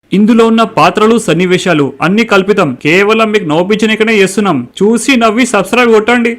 ఇందులో ఉన్న పాత్రలు సన్నివేశాలు అన్ని కల్పితం, కేవలం మీకు నవ్వించనికనే చేస్తున్నాం. చూసి నవ్వి సబ్స్క్రైబ్ కొట్టండి.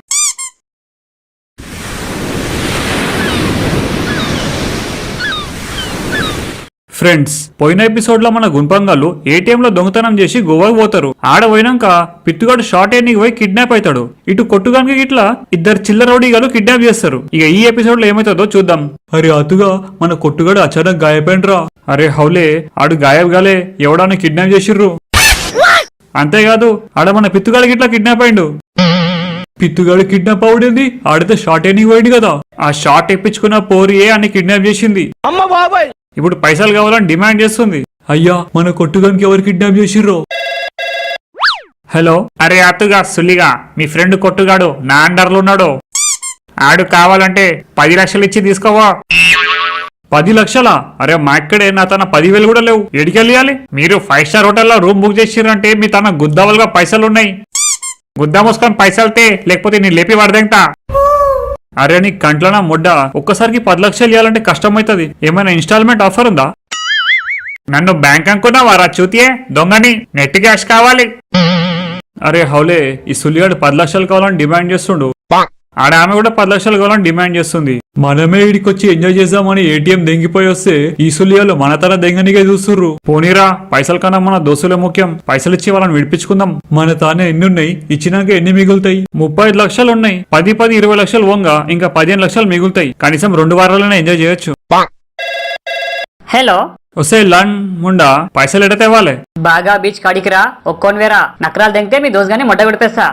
ఫ్రెండ్స్, పోయిన ఎపిసోడ్ లో మన గుంపంగాళ్ళు ఏటీఎం లో దొంగతనం చేసి గోవాకు పోతారు. ఆడ పోయినాక పిత్తుగాడు షార్ట్ ఎన్నికి పోయి కిడ్నాప్ అవుతాడు. ఇటు కొట్టుగానికి ఇట్లా ఇద్దరు చిల్లర రౌడీగాలు కిడ్నాప్ చేస్తారు. ఇక ఈ ఎపిసోడ్ లో ఏమైతుందో చూద్దాం. అరే అతుగా మన కొట్టుగాడు అచానక్ గాయపైనరా. అరే హౌలే, ఆడు గాయగాలే, ఎవడాన్ని కిడ్నాప్ చేసిర్రు. అంతేకాదు ఆడ మన పిత్తుగాడికి ఇట్లా కిడ్నాప్ అయిండు. పిత్తుగాడు కిడ్నాప్ అవుడింది, ఆడితే షార్ట్ ఎన్నికి పోయింది కదా. ఆ షార్ట్ ఎప్పించుకున్న పోరియే అని కిడ్నాప్ చేసింది. అమ్మ బాబాయ్, ఇప్పుడు పైసలు కావాలని డిమాండ్ చేస్తుంది. అయ్యా, మన కొట్టుగానికి ఎవరు కిడ్నాప్ చేసిర్రో. హలో, అరే అతుగా సుల్లిగా, మీ ఫ్రెండ్ కొట్టుగాడు నా అండర్లో ఉన్నాడు. ఆడు కావాలంటే 10 లక్షలు ఇచ్చి తీసుకోవా. 10 లక్షలా? అరే మా ఇక్కడే నా తన 10,000 కూడా లేవు. ఎడికెళ్ళాలి? మీరు 5 స్టార్ హోటల్లో రూమ్ బుక్ చేసిర్రంటే మీ తన గుద్దవలుగా పైసలు ఉన్నాయి. గుద్దా మోసుకొని పైసలుతే, లేకపోతే నేను లేపి వాడదేంటా. అరే నీ కంట్లనా ముడ్డ, ఒక్కసారికి 10 లక్షలు ఇవ్వాలంటే కష్టమవుతుంది. ఏమైనా ఇన్స్టాల్మెంట్ ఆఫర్ ఉందా? నన్ను బ్యాంక్ అనుకున్నావా రా చూతియే దొంగని, నెట్ క్యాష్ కావాలి. అరే హౌలే, ఈ సులిగాడు 10 లక్షలు కావాలని డిమాండ్ చేస్తుండు. ఆడ ఆమె కూడా 10 లక్షలు కావాలని డిమాండ్ చేస్తుంది. మనమే ఇడికొచ్చి ఎంజాయ్ చేద్దామని ఏటీఎం దెంగిపోయి వస్తే ఈ సులియాలు మన తన దెంగనిగా చూస్తుర్రు. పోనీరా, పైసల కన్నా మన దోస్తులే ముఖ్యం. పైసలు ఇచ్చి వాళ్ళని విడిపించుకుందాం. మన తానే ఎన్ని ఉన్నాయి, ఇచ్చినాక ఎన్ని మిగులుతాయి? 35 లక్షలు ఉన్నాయి. 10-20 లక్షలు పోంగా ఇంకా 15 లక్షలు మిగులుతాయి. కనీసం 2 వారాలనే ఎంజాయ్ చేయొచ్చు. హలో, వస్తే లండ్ ముండా పైసలు ఎడ తేవాలే? బాగా బీచ్ కాడికిరా, ఒక్కోని వేరా నకరాలు తెంగితే మీ దోస్ గాని మొట్ట విడిపేస్తా.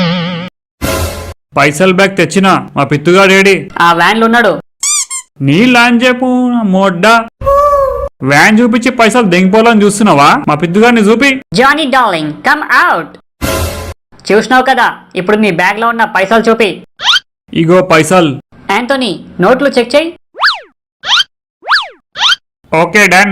పైసలు బ్యాగ్ తెచ్చినా, మా పిత్తుగాడేడి? ఆ వ్యాన్లు ఉన్నాడు. నీ లాంజ్ చెప్పు మొడ్డా. వ్యాన్ చూపించి పైసలు దెంగిపోవాలని చూస్తున్నావా? మా పిత్తుగాడిని చూపి. Johnny darling, come out. చూసినావు కదా, ఇప్పుడు నీ బ్యాగ్ లో ఉన్న పైసలు చూపి. ఇగో పైసలు. యాంటోనీ, నోట్లు చెక్ చేయి. Okay done.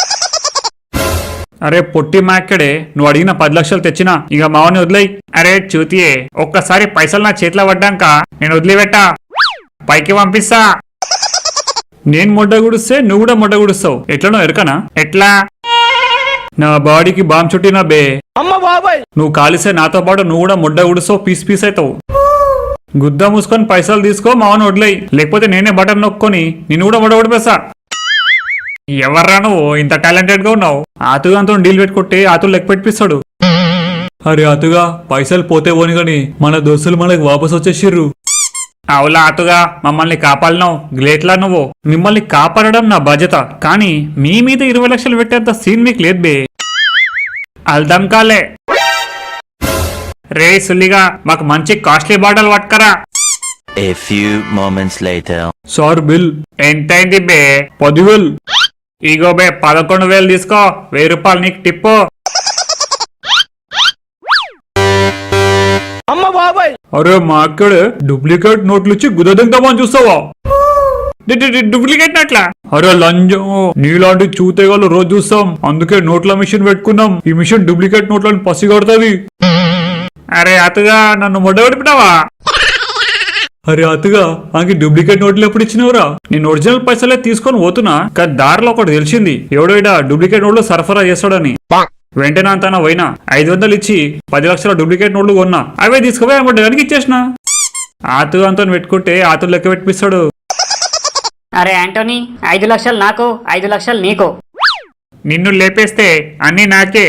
అరే పొట్టి మాక్కడే, నువ్వు అడిగిన 10 లక్షలు తెచ్చినా, ఇక మావని వదిలేయి. అరే చూతియే, ఒక్కసారి పైసలు నా చేతిలో పడ్డాక నేను వదిలిపెట్టా, పైకి పంపిస్తా. నేను మొడ్డ గుడిస్తే నువ్వు కూడా మొడ్డ గుడుస్తావు. ఎట్లనో ఎరకనా? ఎట్లా? నా బాడీకి బాంబ్ చుట్టినా బే. అమ్మ బాబాయ్, నువ్వు కాలిస్తే నాతో పాటు నువ్వు కూడా మొడ్డ గుడుస్తావు, పీస్ పీస్ అవుతావు. గుద్ద మూసుకొని పైసలు తీసుకో, మావని వదిలేయి. లేకపోతే నేనే బటన్ నొక్కొని నిన్ను కూడా మొడ్డ గుడిపేస్తా. ఎవర్రా నువ్వు ఇంత టాలెంటెడ్ గా ఉన్నావు? ఆతుగాంతో డీల్ పెట్టుకుంటే ఆతులు లెక్క పెట్టిస్తాడు. అరే ఆతుగా, పైసలు పోతే పోని గాని మన దోస్తులు మనకి వాపస్ వచ్చేసిర్రు. అవులా ఆతుగా, మమ్మల్ని కాపాడినావు, గ్రేట్లా నువ్వు. మిమ్మల్ని కాపాడడం నా బాధ్యత, కానీ మీ మీద 20 లక్షలు పెట్టేంత సీన్ మీకు లేదు బే. అల్దం కాలే. రే సుల్లిగా, మాకు మంచి కాస్ట్లీ బాటలు పట్టుకరా. A few moments later. Sir bill ఎంతైంది బే? 10,000. ఇగో బే 11,000 తీసుకో, 1000 రూపాయలు నీకు టిప్పు. అమ్మ బాబాయ్, అరే మా అక్కడే డూప్లికేట్ నోట్లు ఇచ్చి గుదదిందామని చూస్తావా? డూప్లికేట్ నోట్లా? అరే లంజం, నీలాంటి చూతేగాళ్ళు రోజు చూస్తాం, అందుకే నోట్ల మిషన్ పెట్టుకున్నాం. ఈ మిషన్ డూప్లికేట్ నోట్లను పసిగొడుతుంది. అరే అతగా, నన్ను మొడ్డగొడిపినావా? అరే అతుగా, ఆకి డూప్లికేట్ నోట్లు ఎప్పుడు ఇచ్చినవరా? నేను ఒరిజినల్ పైసలే తీసుకొని పోతున్నా, కానీ దారిలో ఒకటి తెలిసింది, ఎవడో ఇడా డూప్లికేట్ నోట్లు సరఫరా చేస్తాడని. వెంటనే అంతా పోయినా 500 ఇచ్చి 10 లక్షల డూప్లికేట్ నోట్లు కొన్నా. అవే తీసుకుపోయి అమ్మడానికి ఇచ్చేసిన. ఆతుగా అంతా పెట్టుకుంటే ఆతులు లెక్క పెట్టిస్తాడు. అరే యాంటోనీ, 5 లక్షలు నాకు, 5 లక్షలు నీకు. నిన్ను లేపేస్తే అన్ని నాకే.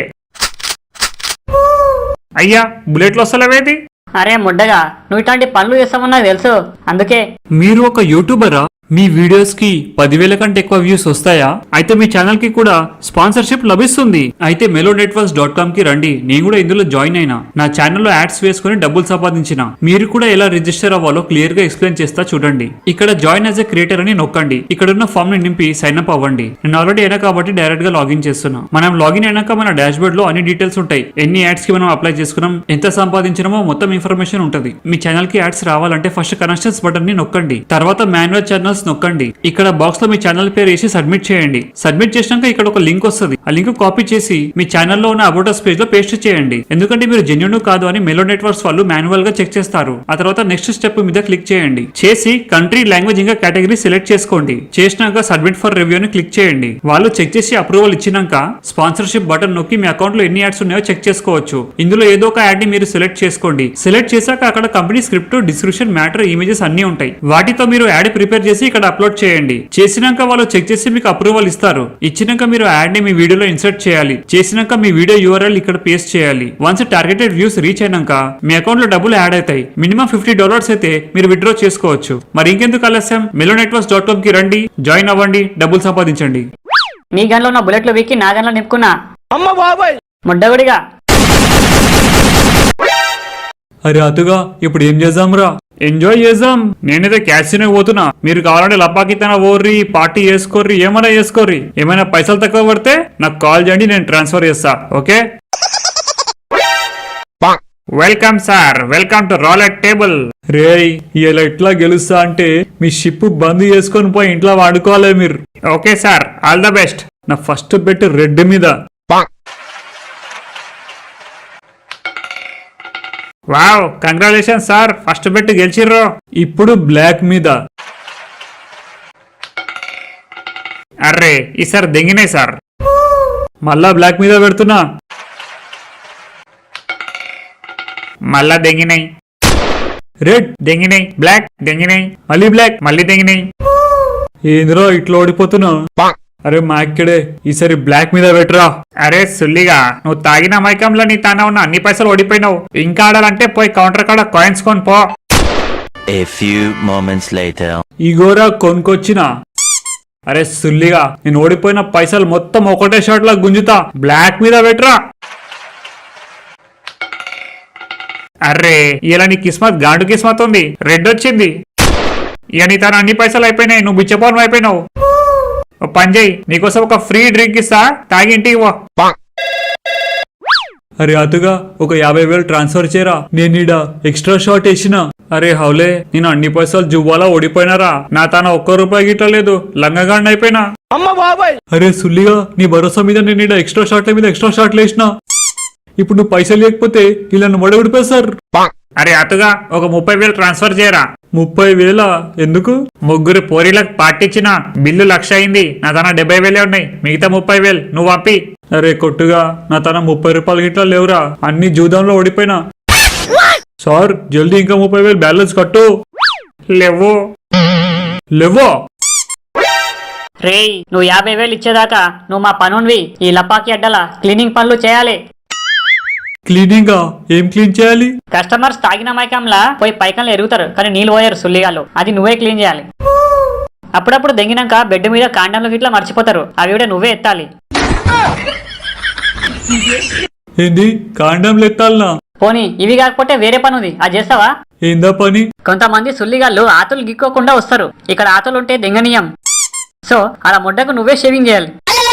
అయ్యా, బుల్లెట్లు వస్తలేవేది? అరే ముడ్డగా, నువ్వు ఇట్లాంటి పనులు చేస్తామని నాకు తెలుసు, అందుకే. మీరు ఒక యూట్యూబరా? మీ వీడియోస్ కి 10,000 కంటే ఎక్కువ వ్యూస్ వస్తాయా? అయితే మీ ఛానల్ కి కూడా స్పాన్సర్షిప్ లభిస్తుంది. అయితే melonetworks.com కి రండి. నేను కూడా ఇందులో జాయిన్ అయినా. నా ఛానల్లో యాడ్స్ వేసుకుని డబ్బులు సంపాదించిన. మీరు కూడా ఎలా రిజిస్టర్ అవ్వాలో క్లియర్ గా ఎక్స్ప్లెయిన్ చేస్తా చూడండి. ఇక్కడ జాయిన్ యాజ్ ఎ క్రియేటర్ అని నొక్కండి. ఇక్కడ ఉన్న ఫామ్ ని నింపి సైన్ అప్ అవ్వండి. నేను ఆల్రెడీ అయినా కాబట్టి డైరెక్ట్ గా లాగిన్ చేస్తున్నా. మనం లాగిన్ అయినాక మన డాష్ బోర్డ్ లో అన్ని డీటెయిల్స్ ఉంటాయి. ఎన్ని యాడ్స్ కి మనం అప్లై చేసుకున్నాం, ఎంత సంపాదించినామో మొత్తం ఇన్ఫర్మేషన్ ఉంటుంది. మీ ఛానల్ కి యాడ్స్ రావాలంటే ఫస్ట్ కనెక్షన్స్ బటన్ ని నొక్కండి. తర్వాత మాన్యువల్ ఛానల్స్ నొక్కండి. ఇక్కడ బాక్స్ లో మీ ఛానల్ పేరు వేసి సబ్మిట్ చేయండి. సబ్మిట్ చేసినాక ఇక్కడ ఒక లింక్ వస్తుంది. ఆ లింక్ కాపీ చేసి మీ ఛానల్లో ఉన్న అబౌట్ us పేజ్ లో పేస్ట్ చేయండి. ఎందుకంటే మీరు జెన్యూన్ కాదు అని మెలో నెట్వర్క్స్ వాళ్ళు మాన్యువల్ గా చెక్ చేస్తారు. ఆ తర్వాత నెక్స్ట్ స్టెప్ మీద క్లిక్ చేయండి. చేసి కంట్రీ, లాంగ్వేజ్ ఇంకా కేటగిరీ సెలెక్ట్ చేసుకోండి. చేసినాక సబ్మిట్ ఫర్ రివ్యూ ని క్లిక్ చేయండి. వాళ్ళు చెక్ చేసి అప్రూవల్ ఇచ్చినాక స్పాన్సర్షిప్ బటన్ నొక్కి మీ అకౌంట్ లో ఎన్ని యాడ్స్ ఉన్నాయో చెక్ చేసుకోవచ్చు. ఇందులో ఏదో ఒక యాడ్ ని మీరు సెలెక్ట్ చేసుకోండి. సెలెక్ట్ చేశాక అక్కడ company script, description, matter, images అన్ని ఉంటాయి. వాటితో మీరు యాడ్ ప్రిపేర్ చేసి ఇక్కడ అప్లోడ్ చేయండి. చేసినాక వాళ్ళు చెక్ చేసి మీకు అప్రూవల్ ఇస్తారు. ఇచ్చినాక మీరు యాడ్ ని మీ వీడియోలో ఇన్సర్ట్ చేయాలి. చేసినాక మీ వీడియో URL ఇక్కడ పేస్ట్ చేయాలి. వన్స్ టార్గెటెడ్ వ్యూస్ రీచ్ అయినాక మీ అకౌంట్ లో డబ్బులు యాడ్ అవుతాయి. మినిమం $50 అయితే మీరు విత్డ్రా చేసుకోవచ్చు. మరి ఇంకెందుకు ఆలస్యం, melonetworks.com కి రండి, జాయిన్ అవ్వండి, డబ్బులు సంపాదించండి. మీ గన్లో ఉన్న బుల్లెట్లు వీక్కి నా గన్లో నింపుకున్నా. అమ్మ బాబాయ్ ముడ్డగుడిగా. అరే అతుగా ఇప్పుడు ఏం చేద్దాంరా? ఎంజాయ్ చేద్దాం. నేనైతే క్యాసినో పోతున్నా. మీరు కావాలంటే లపాకి తన ఓర్రి, పార్టీ చేసుకోర్రి, ఏమైనా చేసుకోర్రి. ఏమైనా పైసలు తక్కువ పడితే నాకు కాల్ చేయండి, నేను ట్రాన్స్ఫర్ చేస్తా. Okay, welcome sir, welcome to roulette table. రేయ్ ఇలా ఎట్లా గెలుస్తా అంటే మీ షిప్ బంద్ చేసుకొని పోయి ఇంట్లో వాడుకోవాలి మీరు. Okay sir, all the best. నా ఫస్ట్ బెట్ రెడ్ మీద. Wow, congratulation sir, first bet గెలిచిర్రు. ఇప్పుడు బ్లాక్ మీద. అర్రే ఈసారి దెంగినాయి సార్. మళ్ళా బ్లాక్ మీద పెడుతున్నా. మళ్ళా దెంగినాయి. రెడ్ దెంగినాయి, బ్లాక్ దెంగినాయి, మళ్ళీ బ్లాక్, మళ్ళీ దెంగినాయి. ఏందిరో ఇట్లా ఓడిపోతున్నా? అరే మా ఇక్కడే ఈసారి బ్లాక్ మీద పెట్టరా. అరే సుల్లిగా, నువ్వు తాగిన మైకంలో నీ తాన ఉన్న అన్ని పైసలు ఓడిపోయినావు. ఇంకా ఆడాలంటే పోయి కౌంటర్ కాడ కాయిన్స్ కొని పో. A few moments later. ఇగోరా కొనుకొచ్చిన. అరే సుల్లిగా, నేను ఓడిపోయిన పైసలు మొత్తం ఒకటే షాట్ లా గుంజుతా. బ్లాక్ మీద పెట్టరా. అర్రే ఇలా నీ కిస్మత్ గాండు కిస్మత్ ఉంది. రెడ్ వచ్చింది. ఇక నీ తన అన్ని పైసలు అయిపోయినాయి. నువ్వు బిచ్చపోవడం అయిపోయినావు. పంజయ్, నీకోసం ఒక ఫ్రీ డ్రింక్ ఇస్తా, తాగి ఇంటికి పో. అరే అతుగా ఒక 50,000 ట్రాన్స్ఫర్ చేయరా. నేను ఈడ ఎక్స్ట్రా షాట్ వేసిన. అరే హౌలే, నేను అన్ని పైసలు జువ్వాలా ఓడిపోయినారా. నా తన ₹1 గిట్టలేదు, లంగగాండి అయిపోయినా. అరే సుల్లిగా, నీ భరోసా మీద నేను ఈడ ఎక్స్ట్రా షాట్ల మీద ఎక్స్ట్రా షాట్లు వేసిన. ఇప్పుడు నువ్వు పైసలు లేకపోతే ఇలా మొడగొడిపోయి సార్. అరే అతుగా ఒక 30,000 ట్రాన్స్ఫర్ చేయరా. 30,000 ఎందుకు? ముగ్గురు పోరీలకు పార్టీ ఇచ్చిన, బిల్లు 1,00,000 అయింది. నా తన 70,000 ఉన్నాయి. మిగతా 30,000 నువ్వు పంపి. అరే కొట్టుగా, నా తన ₹30 గిట్లా లేవురా. అన్ని జూదంలో ఓడిపోయినా. సార్ జల్దీ ఇంకా 30,000 బ్యాలెన్స్ కట్టు. లేవో లేవో. రేయ్, నువ్వు 50,000 ఇచ్చేదాకా నువ్వు మా పనున్వి ఈ లపాకి అడ్డల క్లీనింగ్ పనులు చేయాలి. క్లీనింగా? ఏం క్లీన్ చేయాలి? కస్టమర్స్ తాగిన మైకంలా పోయి పైకంలో ఎరుగుతారు, కానీ నీళ్ళు పోయారు సుల్లిగాళ్ళు. అది నువ్వే క్లీన్ చేయాలి. అప్పుడప్పుడు దెంగినాక బెడ్ మీద కాండంలో గిట్లా మర్చిపోతారు. అవి కూడా నువ్వే ఎత్తాలి. ఏంది కాండంలో ఎత్తాలనా? పోనీ ఇవి కాకపోతే వేరే పని ఉంది, అది చేస్తావా? ఏందా పని? కొంతమంది సుల్లిగాళ్ళు ఆతులు గిక్కోకుండా వస్తారు. ఇక్కడ ఆతులు ఉంటే దెంగనీయం. సో అలా ముడ్డకు నువ్వే షేవింగ్ చేయాలి.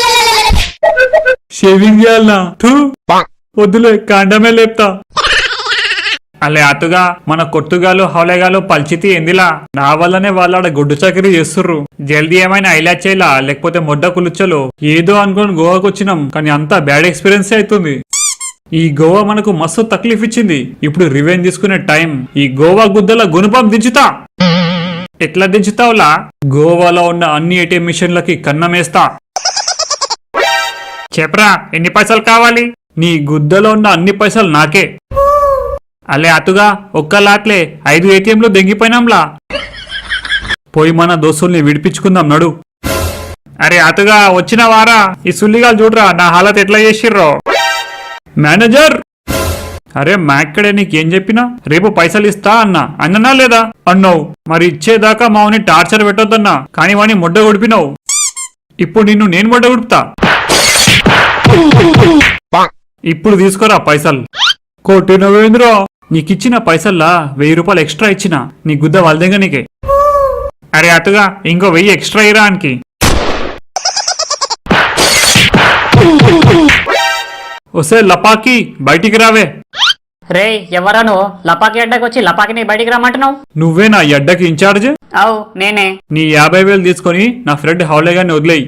షేవింగ్ చేయాలనా? వద్దులే, కాండమే లేపుతా. అలే అతుగా, మన కొట్టుగాలు హౌలేగాలు పల్చితి ఎందిలా. నా వల్లనే వాళ్ళ గుడ్డు చకరీ చేస్తుర్రు. జల్దీ ఏమైనా ఐలాచ్ చేయలా, లేకపోతే మొడ్డ కులుచ్చలు. ఏదో అనుకోని గోవాకు వచ్చినాం, కానీ అంతా బ్యాడ్ ఎక్స్పీరియన్స్ అవుతుంది. ఈ గోవా మనకు మస్తు తక్లీఫ్ ఇచ్చింది. ఇప్పుడు రివెంజ్ తీసుకునే టైం. ఈ గోవా గుద్దల గుణపం దించుతా. ఎట్లా దించుతావులా? గోవాలో ఉన్న అన్ని ATM మిషన్లకి కన్నమేస్తా. చెప్పరా, ఎన్ని పైసలు కావాలి? నీ గుద్దలో ఉన్న అన్ని పైసలు నాకే. అలే అతుగా, ఒక్క లాట్లే 5 ATMలు దెంగిపోయినాంలా. పోయి మన దోస్తుల్ని విడిపించుకుందాం నడు. అరే అతుగా, వచ్చిన వారా. ఈ సుల్లిగాలు చూడరా నా హాలత్ ఎట్లా చేసిర్రో. మేనేజర్, అరే మాక్కడే నీకేం చెప్పినా? రేపు పైసలు ఇస్తా అన్ననా లేదా? అన్నావు. మరి ఇచ్చేదాకా మావుని టార్చర్ పెట్టొద్దన్నా, కానీ వాణ్ణి మొడ్డ కొడిపినావు. ఇప్పుడు నిన్ను నేను మొడ్డ కొడుపుతా. ఇప్పుడు తీసుకోరా పైసలు. కొట్టినవేంద్రా, నీకిచ్చిన పైసల్లా ₹1000 ఎక్స్ట్రా ఇచ్చిన. నీ గుద్ద వాళ్ళదేగా నీకే. అరే అతుగా, ఇంకో 1000 ఎక్స్ట్రా ఇరానికి. ఒసే లపాకి, బయటికి రావే. రే ఎవరా నువ్వు లపాకి అడ్డకి వచ్చి లపాకిని బయటికి రమ్మంటున్నావు? నువ్వే నా ఎడ్డకి ఇన్ఛార్జ్. అవు నేనే. నీ 50,000 తీసుకొని నా ఫ్రెండ్ హౌలే గారిని వదిలేయి.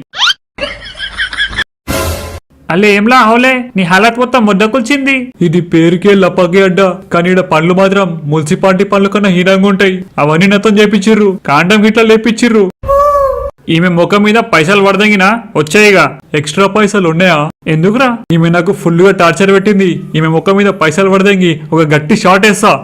అల్లే ఏంలా హౌలే, నీ హాలత్ మొత్తం ముద్దకొల్చింది. ఇది పేరుకే లపాకి అడ్డ, కానీ ఈడ పనులు మాత్రం మున్సిపాలిటీ పనుల కన్నా హీనంగా ఉంటాయి. అవన్నీ నాతో చేపించిర్రు, కాండం గిట్లా లేపించిర్రు. ఈమె ముఖం మీద పైసలు పడదంగినా వచ్చాయిగా, ఎక్స్ట్రా పైసలు ఉన్నాయా? ఎందుకురా? ఈమె నాకు ఫుల్ గా టార్చర్ పెట్టింది. ఈమె ముఖం మీద పైసలు పడదంగి ఒక గట్టి షాట్ వేస్తా.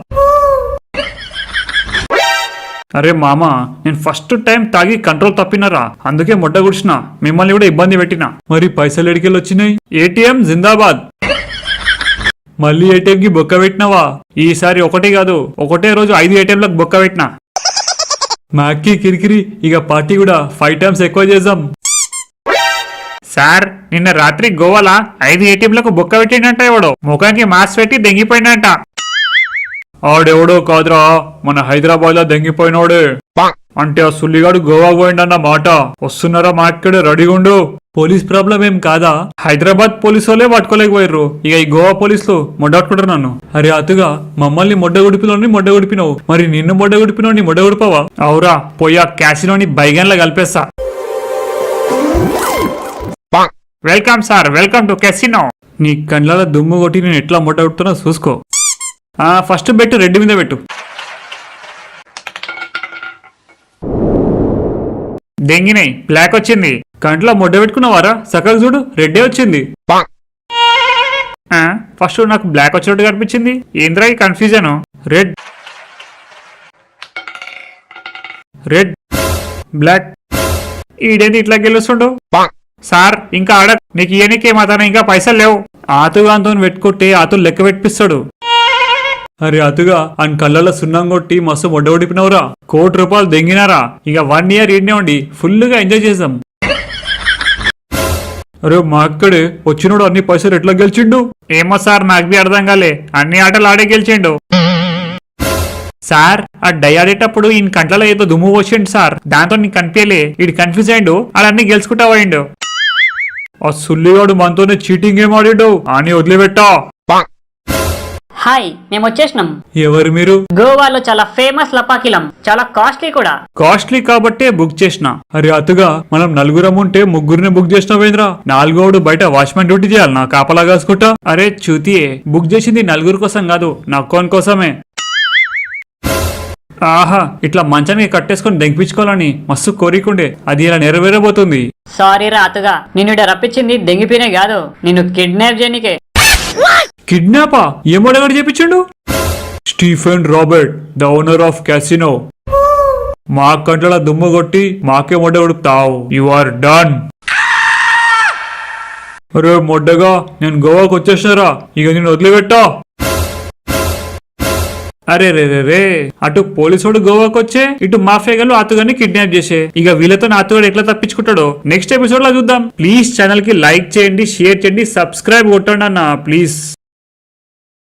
అరే మామ, నేను ఫస్ట్ టైం తాగి కంట్రోల్ తప్పినరా, అందుకే మొట్ట గుడిచిన, మిమ్మల్ని కూడా ఇబ్బంది పెట్టినా. మరి పైసలు ఎడికెళ్ళి వచ్చినాయి? ఏటీఎం జిందాబాద్. మళ్ళీ ఏటీఎం కి బొక్క పెట్టినావా? ఈసారి ఒకటి కాదు, ఒకటే రోజు 5 ఏటీఎంలకు బొక్క పెట్టినా. మాకి కిరికిరి, ఇక పార్టీ కూడా 5 టైమ్స్ ఎక్కువ చేద్దాం. సార్, నిన్న రాత్రి గోవాలా 5 ఏటీఎంలకు బొక్క పెట్టిండంట. ఎవడో ముఖానికి మాస్క్ పెట్టి దెంగిపోయినంట. ఆడెవడో కాదురా, మన హైదరాబాద్ లో దెంగిపోయినోడే. అంటే ఆ సుల్లిగాడు గోవా పోయిండన్న మాట. వస్తున్నారా మా ఇక్కడే, రెడీగా ఉండు. పోలీస్ ప్రాబ్లం ఏం కాదా? హైదరాబాద్ పోలీసు వాళ్ళే పట్టుకోలేకపోయారు, ఇక ఈ గోవా పోలీసులు మొడ్డట్టుకుంటారు నన్ను. అరే అతుగా, మమ్మల్ని మొడ్డగుడిపినావు, మరి నిన్ను మొడ్డగుడిపినోని మొడ్డగుడిపావా? అవురా, పోయి ఆ క్యాసినోని బైగన్లా కలిపేస్తా. Welcome sir, welcome to casino. నీ కండ్ల దుమ్ము కొట్టి నేను ఎట్లా మొడ్డగుడుతున్నా చూసుకో. ఫస్ట్ బెట్టు రెడ్ మీద పెట్టు. దెంగినాయి, బ్లాక్ వచ్చింది. కంట్లో మొడ్డ పెట్టుకున్నావారా? సకలు చూడు, రెడ్డే వచ్చింది. ఫస్ట్ నాకు బ్లాక్ వచ్చినట్టు కనిపించింది. ఏంద్రా ఈ కన్ఫ్యూజన్? రెడ్ రెడ్ బ్లాక్, ఈడేంది ఇట్లా గెలుస్తుండు? సార్ ఇంకా ఆడ, నీకు ఇయనికే మాత్రం ఇంకా పైసలు లేవు. ఆతుగాంతో పెట్టుకుంటే ఆతులు లెక్క పెట్టిస్తాడు. అరే అతుగా, అని కళ్ళలో సున్నం కొట్టి మస్తు మొడ్డగొడిపినవురా. ₹1,00,00,000 దెంగినారా. ఇక 1 ఇయర్ ఈడనే ఉండి ఫుల్ గా ఎంజాయ్ చేద్దాం. అరే మా అక్కడే వచ్చినోడు అన్ని పైసలు ఎట్లా గెలిచిండు? ఏమో సార్, నాకు బి అర్థం కాలే. అన్ని ఆటలు ఆడే గెలిచిండు. సార్, ఆ డై ఆడేటప్పుడు ఈయన కంట్లలో ఏదో దుమ్ము పోసిండు సార్, దాంతో నీకు కనిపించలే. ఈడు కన్ఫ్యూజ్ అయిండు, అడన్నీ గెలుచుకుంటా పోయిండు. ఆ సుల్లిగాడు మనతోనే చీటింగ్ ఏం ఆడిండు అని వదిలిపెట్టా. హాయ్, మేము వచ్చేసినాం. ఎవరు మీరు? గోవాలో చాలా ఫేమస్ లపాకిలం, చాలా కాస్ట్లీ కూడా. కాస్ట్లీ కాబట్టే బుక్ చేసిన. అరే అతుగా, మనం 4 ఉంటే 3 బుక్ చేసినావేంద్రా? 4 బయట వాచ్మెన్ డ్యూటీ చేయాలి నా కాపలా కాసుకుంటా. అరే చూతియే, బుక్ చేసింది 4 కోసం కాదు, నా అకౌంట్ కోసమే. ఆహా, ఇట్లా మంచానికి కట్టేసుకొని దెంగిపించుకోవాలని మస్తు కోరికుండే, అది ఇలా నెరవేరబోతుంది. సారీ రా అతుగా, నిన్ను ఇక్కడ రప్పించింది దెంగిపోయినే కాదు, నిన్ను కిడ్నాప్ చేయనికే. కిడ్నాపా? ఏమోడగాడు చెప్పించండు? Stephen Robert, the owner of casino. మా కంట్ల దుమ్ము కొట్టి మాకే మొడ్డ కొడుపుతావు. You are done. అరే మొడ్డగా, నేను గోవాకు వచ్చేసినారా, ఇక నేను వదిలిపెట్టా. అరే రే రే రే, అటు పోలీసుడు గోవాకు వచ్చే, ఇటు మాఫియాగాలు అతుగాని కిడ్నాప్ చేసే. ఇక వీళ్ళతో అతుగాడు ఎట్లా తప్పించుకుంటాడో నెక్స్ట్ ఎపిసోడ్ లో చూద్దాం. ప్లీజ్ ఛానల్ కి లైక్ చేయండి, షేర్ చేయండి, సబ్స్క్రైబ్ కొట్టండి అన్న ప్లీజ్.